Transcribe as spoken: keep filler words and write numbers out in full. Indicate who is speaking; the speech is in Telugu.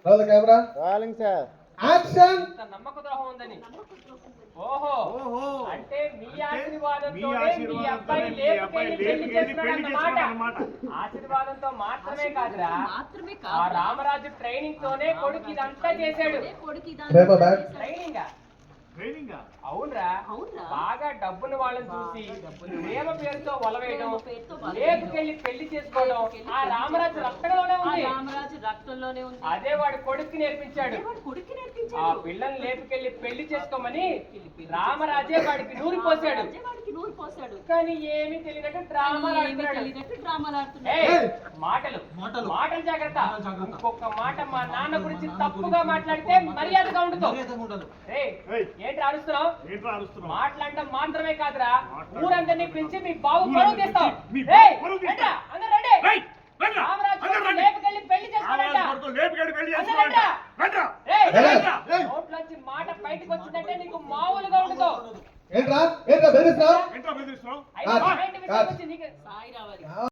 Speaker 1: Role camera
Speaker 2: rolling sir
Speaker 1: action.
Speaker 3: నమ్మక ద్రోహం ఉందని. ఓహో అంటే మీ ఆశీర్వాదంతోనే మీ అబ్బాయి లేపుకెళ్ళి పెళ్లి చేస్తున్నాడన్నమాట. ఆశీర్వాదంతో మాత్రమే కాదురా, ఆ రామరాజు ట్రైనింగ్ తోనే కొడుకు ఇదంతా చేశాడు. ట్రైనింగ్ అవునరా, బాగా డబ్బును వాళ్ళని చూసి ప్రేమ పేరుతో వలవేయడం, లేపుకెళ్ళి పెళ్లి చేసుకోవడం ఆ రామరాజు రక్తంలోనే ఉంది.
Speaker 4: రామరాజు రక్తంలోనే ఉంది.
Speaker 3: అదే వాడు కొడుక్కి నేర్పించాడు. ఆ పిల్లని లేపుకెళ్ళి పెళ్లి చేసుకోమని రామరాజే వాడికి నూరి పోసాడు. కానీ ఏమీ తెలియనట్టు మాటలు మాటలు జాగ్రత్త. ఇంకొక మాట మా నాన్న గురించి తప్పుగా మాట్లాడితే మర్యాదగా ఉండదు. ఏంటి అరుస్తున్నావు? మాట్లాడటం మాత్రమే కాదురా, ఊరందరినీ పిలిచి మీ బాబు పరువు తీస్తావు. లేపుకెళ్ళి పెళ్లి చేసుకోవాలంట. నోట్లోంచి మాట బయటకు వచ్చిందంటే నీకు మామూలుగా ఉండదు.
Speaker 1: ఏంట్రా ఏంట్రా బెదిరిస్తున్నావు?
Speaker 3: అయితే